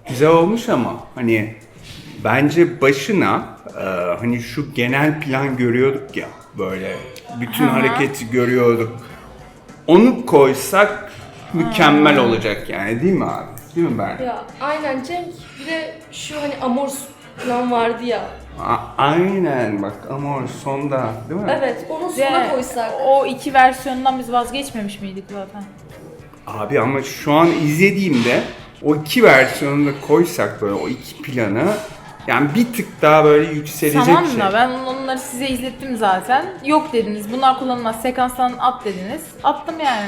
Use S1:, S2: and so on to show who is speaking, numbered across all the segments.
S1: Güzel olmuş ama hani bence başına hani şu genel plan görüyorduk ya, böyle bütün hareketi görüyorduk. Onu koysak mükemmel olacak yani, değil mi abi? Değil mi Berna?
S2: Ya aynen Cenk. Bir de şu hani Amors falan vardı ya.
S1: Aynen bak, ama sonda değil mi?
S2: Evet, onu sona koysak.
S3: O iki versiyondan biz vazgeçmemiş miydik zaten?
S1: Abi ama şu an izlediğimde o iki versiyonu da koysak, böyle o iki planı, yani bir tık daha böyle yükselecek
S3: Tamam
S1: şey.
S3: da ben onları size izlettim zaten. Yok dediniz, bunlar kullanılmaz, sekanstan at dediniz. Attım yani.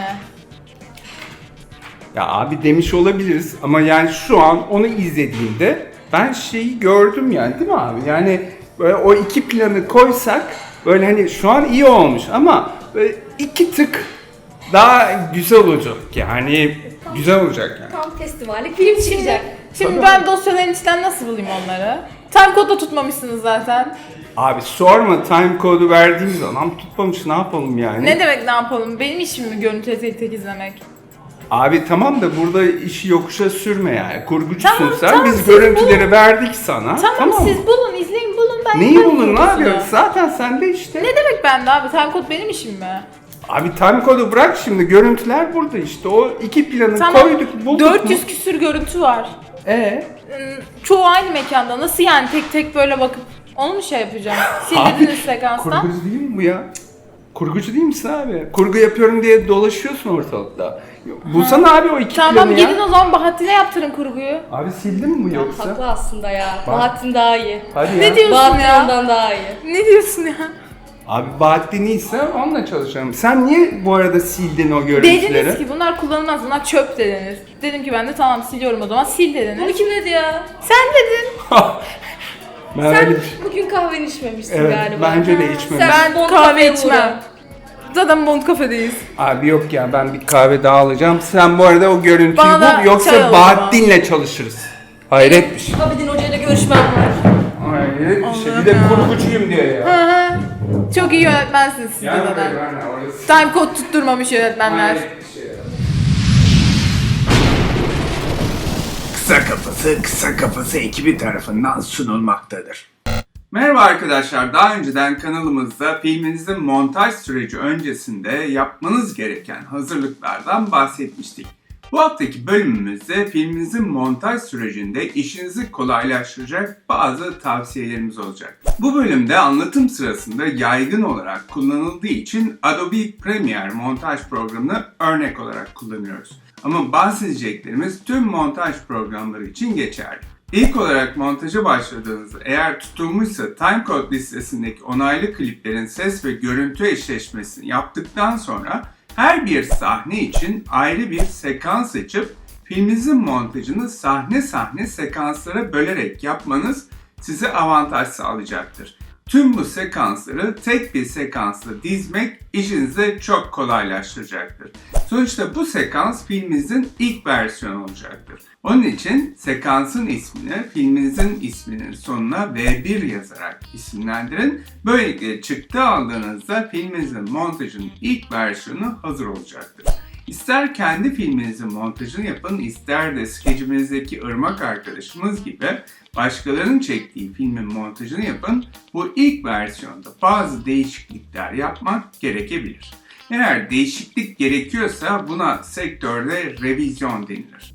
S1: Ya abi demiş olabiliriz ama yani şu an onu izlediğimde ben şeyi gördüm yani, değil mi abi? Yani böyle o iki planı koysak böyle hani şu an iyi olmuş ama böyle iki tık daha güzel olacak yani, güzel olacak yani.
S2: Tam festivallik film çıkacak.
S3: Şimdi ben dosyaların içinden nasıl bulayım onları? Timecode'da tutmamışsınız zaten.
S1: Abi sorma, time code'u verdiğimiz zaman tutmamış, ne yapalım yani?
S3: Ne demek ne yapalım? Benim işim mi görüntü tek tek izlemek?
S1: Abi tamam da burada işi yokuşa sürme yani. Kurgucusun
S3: Tamam,
S1: sen.
S3: tamam,
S1: Biz
S3: siz
S1: görüntüleri verdik sana.
S3: Tamam,
S1: mı?
S3: siz bulun, izleyin, bulun. Ben
S1: Neyi
S3: yaparım
S1: bulun abi?
S3: kurgusunu.
S1: Zaten sende işte.
S3: Ne demek bende abi? Timecode benim işim mi?
S1: Abi time code'u bırak şimdi. Görüntüler burada işte. O iki planı
S3: Tamam,
S1: koyduk, bulduk
S3: 400
S1: mu?
S3: küsür görüntü var.
S1: Hmm,
S3: Çoğu aynı mekanda. Nasıl yani tek tek böyle bakıp onu mu şey yapacağım? Sildiniz sekanstan.
S1: Kurgucu değil mi bu ya? Cık. Kurgucu değil misin abi? Kurgu yapıyorum diye dolaşıyorsun ortalıkta. Bulsana abi o iki
S3: Tamam,
S1: planı ya.
S3: gidin o zaman Bahattin'e yaptırın kurguyu.
S1: Abi sildin mi yoksa?
S2: Haklı aslında ya. Bahattin daha iyi.
S1: Hadi ya.
S3: Ne diyorsun
S2: Bahattin
S3: ya?
S2: ondan daha iyi.
S3: Ne diyorsun ya?
S1: Abi Bahattin iyiyse onunla çalışalım. Sen niye bu arada sildin o görüntüleri?
S3: Dediniz ki bunlar kullanılmaz, bunlar çöp dediniz. Dedim ki ben de tamam siliyorum o zaman, sil
S2: Bunu
S3: dediniz.
S2: kim dedi ya?
S3: Sen dedin.
S1: Ben
S2: Sen
S1: öyle-
S2: bugün kahveni içmemişsin
S1: Evet,
S2: galiba.
S1: bence de
S2: Ha,
S1: içmedim.
S2: Sen
S3: Ben
S2: Bond
S3: kahve
S2: kafeye
S3: içmem.
S2: uğra.
S3: Zaten Bond kafedeyiz.
S1: Abi yok ya, ben bir kahve daha alacağım. Sen bu arada o görüntüyü
S3: Bana da
S1: bul,
S3: çay
S1: yoksa
S3: al o
S1: Bahattin'le çalışırız. Hayret bir şey.
S2: Abidin Hoca ile görüşmem var.
S1: Hayret bir şey. Bir
S3: Allah'ım
S1: de
S3: ya.
S1: kurgucuyum diye ya.
S3: Hı hı. Çok iyi yönetmensiniz siz de
S1: Yani
S3: zaten.
S1: orası.
S3: Timecode tutturmamış yönetmenler.
S1: Hayret bir şey ya. Kısa Kafası ekibi tarafından sunulmaktadır. Merhaba arkadaşlar, daha önceden kanalımızda filminizin montaj süreci öncesinde yapmanız gereken hazırlıklardan bahsetmiştik. Bu haftaki bölümümüzde filminizin montaj sürecinde işinizi kolaylaştıracak bazı tavsiyelerimiz olacak. Bu bölümde anlatım sırasında yaygın olarak kullanıldığı için Adobe Premiere montaj programını örnek olarak kullanıyoruz. Ama bahsedeceklerimiz tüm montaj programları için geçerli. İlk olarak montaja başladığınızda eğer tutulmuşsa timecode listesindeki onaylı kliplerin ses ve görüntü eşleşmesini yaptıktan sonra her bir sahne için ayrı bir sekans açıp filminizin montajını sahne sahne sekanslara bölerek yapmanız size avantaj sağlayacaktır. Tüm bu sekansları tek bir sekansla dizmek işinizi çok kolaylaştıracaktır. Sonuçta bu sekans filminizin ilk versiyonu olacaktır. Onun için sekansın ismini filminizin isminin sonuna V1 yazarak isimlendirin. Böylelikle çıktı aldığınızda filminizin montajının ilk versiyonu hazır olacaktır. İster kendi filminizin montajını yapın, ister de skecimizdeki Irmak arkadaşımız gibi başkalarının çektiği filmin montajını yapın, bu ilk versiyonda bazı değişiklikler yapmak gerekebilir. Eğer değişiklik gerekiyorsa buna sektörde revizyon denilir.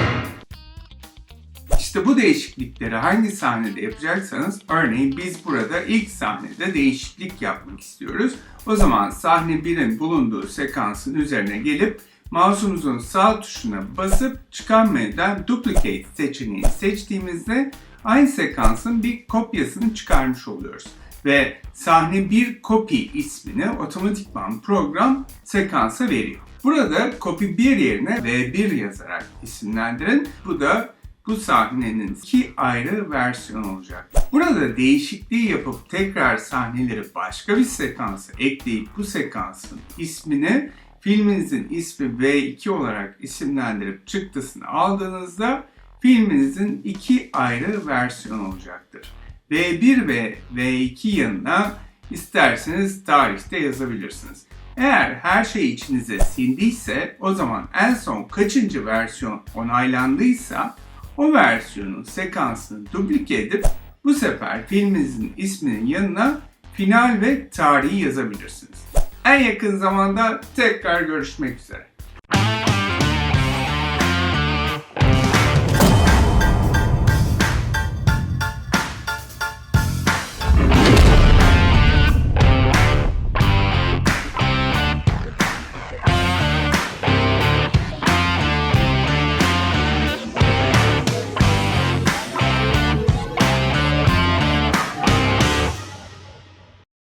S1: İşte bu değişiklikleri hangi sahnede yapacaksanız, örneğin biz burada ilk sahnede değişiklik yapmak istiyoruz. O zaman sahne 1'in bulunduğu sekansın üzerine gelip mouse'umuzun sağ tuşuna basıp çıkan menüden Duplicate seçeneğini seçtiğimizde aynı sekansın bir kopyasını çıkarmış oluyoruz. Ve sahne 1 copy ismini otomatikman program sekansa veriyor. Burada copy 1 yerine V1 yazarak isimlendirin. Bu sahnenin iki ayrı versiyon olacak. Burada değişikliği yapıp tekrar sahneleri başka bir sekansa ekleyip bu sekansın ismini filminizin ismi V2 olarak isimlendirip çıktısını aldığınızda filminizin iki ayrı versiyon olacaktır. V1 ve V2 yanına isterseniz tarihte yazabilirsiniz. Eğer her şey içinize sindiyse o zaman en son kaçıncı versiyon onaylandıysa o versiyonun sekansını duplike edip bu sefer filminizin isminin yanına final ve tarihi yazabilirsiniz. En yakın zamanda tekrar görüşmek üzere.